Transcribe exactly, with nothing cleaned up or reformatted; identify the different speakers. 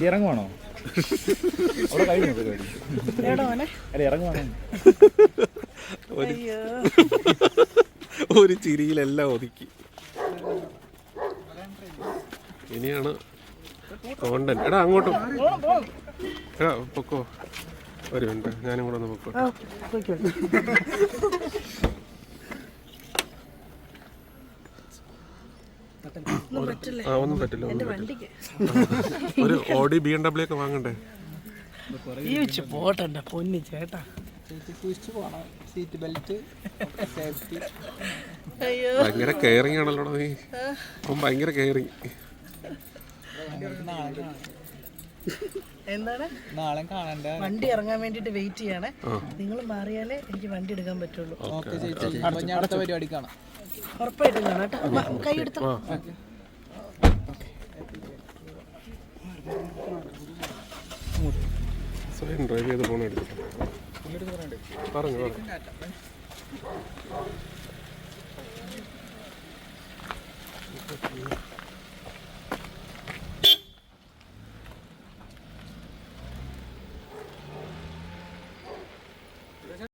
Speaker 1: ചേച്ചി ഇറങ്ങുവാണോ? അവിടെ കഴിഞ്ഞു പരിപാടി. അല്ല ഇറങ്ങുവാണോ?
Speaker 2: ഒരു ചിരിയിലെല്ലാം ഒതുക്കി. ഇനിയാണ് കോണ്ടന്റ്. എടാ അങ്ങോട്ടും എടാ പൊക്കോ. ഒരു മിനിറ്റ് ഞാനും കൂടെ ഒന്ന് പൊക്കോ. ആ ഒന്നും പറ്റില്ല. ഒരു ഓഡി ബി എം ഡബ്ല്യു ഒക്കെ വാങ്ങണ്ടേ?
Speaker 3: പോട്ടെ പൊന്നി ചേട്ടാ.
Speaker 2: ഭയങ്കര കെയറിങ് ആണല്ലോ നീ. ഭയങ്കര കെയറിങ്.
Speaker 3: എന്താണ് വണ്ടി ഇറങ്ങാൻ വേണ്ടിട്ട് വെയിറ്റ് ചെയ്യണേ. നിങ്ങൾ മാറിയാലേ എനിക്ക് വണ്ടി എടുക്കാൻ പറ്റുള്ളൂ.
Speaker 4: അടുത്ത പരിപാടി കാണാം.
Speaker 3: ഉറപ്പായിട്ടും കാണാം കേട്ടോ. കൈ എടുത്തോ.
Speaker 2: സ്വയം ഡ്രൈവ് ചെയ്ത് പോകണം. എടുത്തിട്ട് പറഞ്ഞു പറഞ്ഞു.